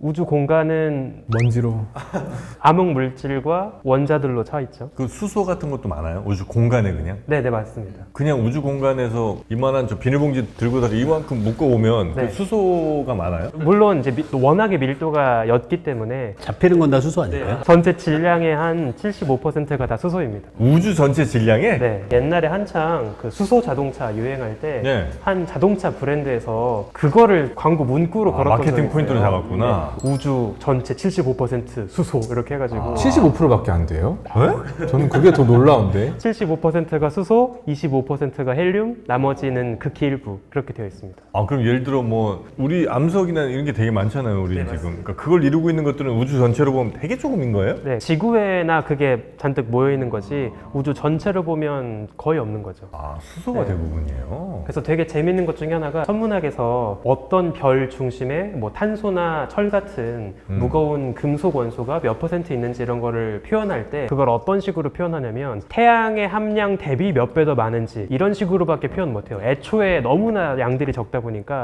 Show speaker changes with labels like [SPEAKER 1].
[SPEAKER 1] 우주 공간은
[SPEAKER 2] 먼지로.
[SPEAKER 1] 암흑 물질과 원자들로 차 있죠.
[SPEAKER 3] 그 수소 같은 것도 많아요? 우주 공간에 그냥?
[SPEAKER 1] 네, 맞습니다.
[SPEAKER 3] 그냥 우주 공간에서 이만한 저 비닐봉지 들고 다니 이만큼 묶어오면
[SPEAKER 1] 네.
[SPEAKER 3] 그 수소가 많아요?
[SPEAKER 1] 물론 이제 워낙에 밀도가 옅기 때문에
[SPEAKER 2] 잡히는 건 다 수소 아닐까요?
[SPEAKER 1] 전체 질량의 한 75%가 다 수소입니다.
[SPEAKER 3] 우주 전체 질량에?
[SPEAKER 1] 네, 옛날에 한창 그 수소 자동차 유행할 때 한
[SPEAKER 3] 네.
[SPEAKER 1] 자동차 브랜드에서 그거를 광고 문구로 걸었던
[SPEAKER 3] 마케팅
[SPEAKER 1] 적이
[SPEAKER 3] 포인트로
[SPEAKER 1] 있어요.
[SPEAKER 3] 잡았구나.
[SPEAKER 1] 네, 우주 전체 75% 수소 이렇게 해가지고
[SPEAKER 2] 75%밖에 안 돼요?
[SPEAKER 3] 네?
[SPEAKER 2] 저는 그게 더 놀라운데.
[SPEAKER 1] 75%가 수소, 25%가 헬륨, 나머지는 극히 일부 그렇게 되어 있습니다.
[SPEAKER 3] 아, 그럼 예를 들어 뭐 우리 암석이나 이런 게 되게 많잖아요, 우리 지금. 그러니까 그걸 이루고 있는 것들은 우주 전체로 보면 되게 조금인 거예요?
[SPEAKER 1] 네, 지구에나 그게 잔뜩 모여 있는 거지 우주 전체로 보면 거의 없는 거죠.
[SPEAKER 3] 아, 수소가
[SPEAKER 1] 네.
[SPEAKER 3] 대부분이에요.
[SPEAKER 1] 그래서 되게 재밌는 것 중에 하나가 천문학에서 어떤 별 중심에 뭐 탄소나 철 같은 무거운 금속 원소가 몇 퍼센트 있는지 이런 거를 표현할 때 그걸 어떤 식으로 표현하냐면 태양의 함량 대비 몇 배 더 많은지 이런 식으로밖에 표현 못해요. 애초에 너무나 양들이 적다 보니까